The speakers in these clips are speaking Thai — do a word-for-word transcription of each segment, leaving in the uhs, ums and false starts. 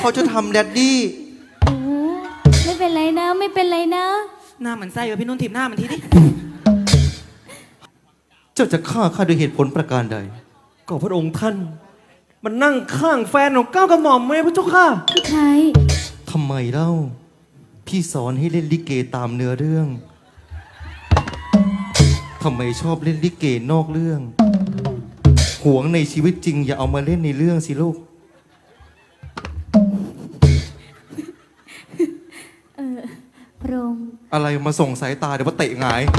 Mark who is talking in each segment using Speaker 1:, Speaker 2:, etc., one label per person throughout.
Speaker 1: เขาจะทำแดดดี้
Speaker 2: เออไม่เป็นไรนะไม่เป็นไรนะ
Speaker 3: หน้าเหมือนไส้วะพี่นุ่นถีบหน้ามันทีดิ
Speaker 1: เจ้าจะฆ่าข้าด้วยเหตุผลประการใด
Speaker 4: ก็พระองค์ท่านมันนั่งข้างแฟนของก้าวกระหม่อมไหมพระเจ้าค่ะ
Speaker 2: พี่ไทย
Speaker 1: ทำไมเล่าพี่สอนให้เล่นลิเกตามเนื้อเรื่องทำไมชอบเล่นลิเกนอกเรื่องหวงในชีวิตจริงอย่าเอามาเล่นในเรื่องสิลูก
Speaker 2: เออพระองค์
Speaker 1: อะไรมาส่งสายตาเดี๋ยวมาเตะหงาย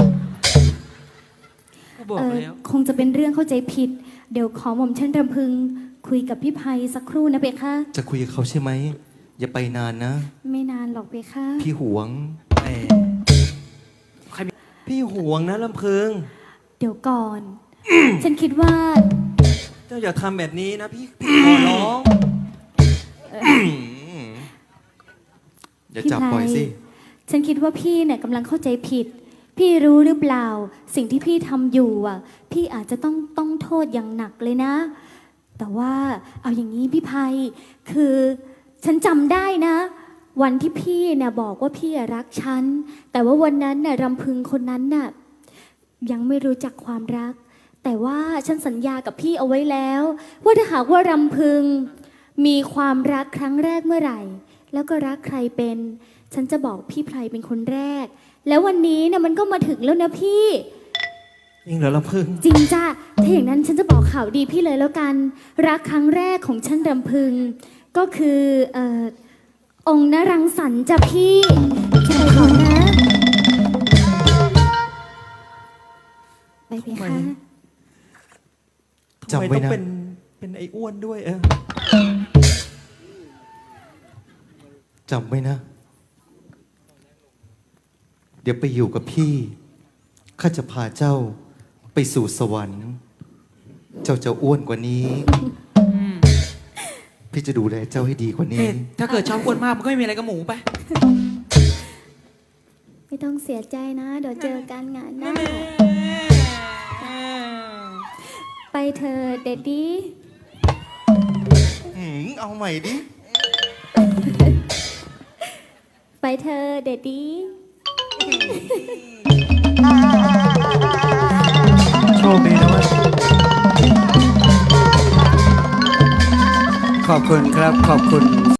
Speaker 3: บอกแล้ว
Speaker 2: คงจะเป็นเรื่องเข้าใจผิดเดี๋ยวขอหม่อมฉันรำพึงคุยกับพี่ไพสักครู่นะเบค่ะ
Speaker 1: จะคุยกับเขาใช่ไหมอย่าไปนานนะ
Speaker 2: ไม่นานหรอกเบค่ะ
Speaker 1: พี่หวง
Speaker 4: แหมพี่หวงนะลำพึง
Speaker 2: เดี๋ยวก่อน ฉันคิดว่า
Speaker 4: เจ้าอย่าทำแบบนี้นะพี่พี่ขอร้อง
Speaker 1: อย่าจับปล่อยสิ
Speaker 2: ฉันคิดว่าพี่เนี่ยกำลังเข้าใจผิดพี่รู้หรือเปล่าสิ่งที่พี่ทำอยู่อ่ะพี่อาจจะต้องต้องโทษอย่างหนักเลยนะแต่ว่าเอาอย่างนี้พี่ไพคือฉันจำได้นะวันที่พี่เนี่ยบอกว่าพี่รักฉันแต่ว่าวันนั้นน่ะรำพึงคนนั้นน่ะยังไม่รู้จักความรักแต่ว่าฉันสัญญากับพี่เอาไว้แล้วว่าถ้าหากว่ารำพึงมีความรักครั้งแรกเมื่อไหร่แล้วก็รักใครเป็นฉันจะบอกพี่ไพเป็นคนแรกแล้ววันนี้เนี่ยมันก็มาถึงแล้วนะพี่
Speaker 4: จริงเหรอลำพึง
Speaker 2: จริงจ้ะถ้าอย่างนั้นฉันจะบอกข่าวดีพี่เลยแล้วกันรักครั้งแรกของฉันรำพึงก็คือเอ่อองค์นรังสรรค์จ้ะพี่ใช่ก่อนนะไปเพคะ
Speaker 4: จำไว้นะเป็นเป็นไอ้อ้วนด้วยเออ
Speaker 1: จำไว้นะเดี๋ยวไปอยู่กับพี่ข้าจะพาเจ้าไปสู่สวรรค์เจ้าจะอ้วนกว่านี้พี่จะดูแลเจ้าให้ดีกว่านี้
Speaker 3: ถ้าเกิดชอบอ้วนมากมันก็ไม่มีอะไรกับหมูไป
Speaker 2: ไม่ต้องเสียใจนะเดี๋ยวเจอกันงานหน้าไปเธอเดดดี้
Speaker 1: เอาใหม่ดิ
Speaker 2: ไปเธอเดดดี้
Speaker 4: โชคดีนะวะขอบคุณครับขอบคุณ